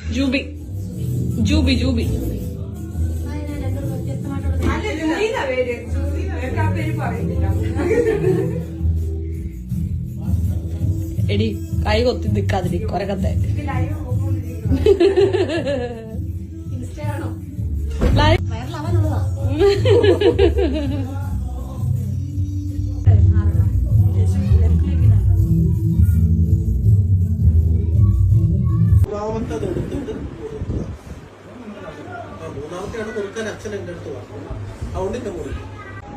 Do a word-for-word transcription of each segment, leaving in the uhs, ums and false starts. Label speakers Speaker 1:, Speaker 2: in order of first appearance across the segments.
Speaker 1: ജൂബി ജൂബി ജൂബി എടി കൈ കൊത്തി നിക്കാതിരി കൊരകത്തെ
Speaker 2: മൂന്നാമത്തെയാണ് കൊടുക്കാൻ അച്ഛൻ എന്റെ അടുത്ത് പറഞ്ഞു. അതുകൊണ്ട് എന്നെ കൊടുക്കും.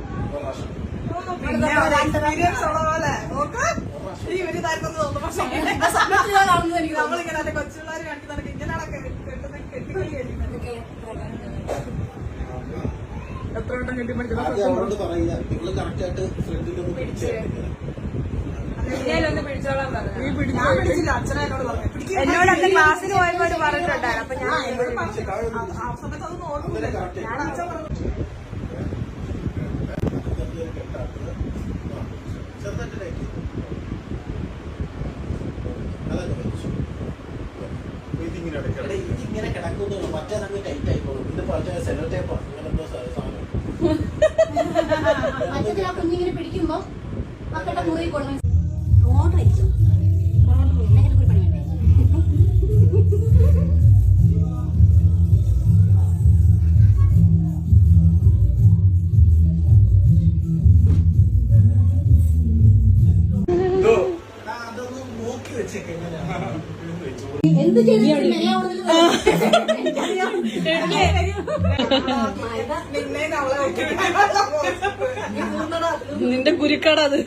Speaker 3: കൊച്ചുപിള്ളേർ കാണിക്കുന്നതൊക്കെ ഇങ്ങനെയാണൊക്കെ എത്ര വട്ടം കെട്ടിപ്പിടിച്ചു
Speaker 2: അവരോട് പറയുക നിങ്ങള് കറക്റ്റായിട്ട് ഫ്രണ്ടിലൊന്ന് പിടിച്ചു
Speaker 3: എന്നോട് അന്ന് ക്ലാസ്സിന് പോയപ്പോ പറഞ്ഞിട്ടുണ്ടായിരുന്നു. അപ്പൊ ഞാൻ ആ സമയത്ത് അത് നോക്കുന്നില്ല. ഞാൻ അച്ഛൻ പറഞ്ഞു
Speaker 2: ഇങ്ങനെ കിടക്കുന്നു. മറ്റേ നമുക്ക് ടൈറ്റ് ആയിക്കോളും. ഇത് മറ്റേ സെലോ ടേപ്പാ അങ്ങനെ എന്തോ സാധനം.
Speaker 4: കുഞ്ഞിങ്ങനെ പിടിക്കുമ്പോ മക്കളുടെ മുറി കൊടുക്കും.
Speaker 2: അതൊന്നും നോക്കി വെച്ചേക്കെ എങ്ങനെയാണ്
Speaker 4: എന്ത് ചെയ്തു
Speaker 1: നിന്റെ കുരുക്കാടത്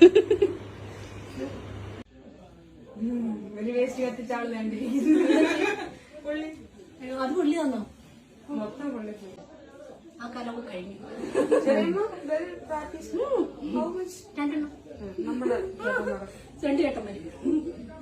Speaker 3: ഒരു വേസ്റ്റ് കത്തിച്ചാൾ വേണ്ടി
Speaker 4: അത് പുള്ളി തന്നോ?
Speaker 3: മൊത്തം കൊള്ളി
Speaker 4: ആ കാലമൊക്കെ കഴിഞ്ഞു.
Speaker 3: പ്രാക്ടീസ്
Speaker 4: രണ്ടെണ്ണം
Speaker 3: നമ്മുടെ
Speaker 4: രണ്ട് ചേട്ടന്മാര്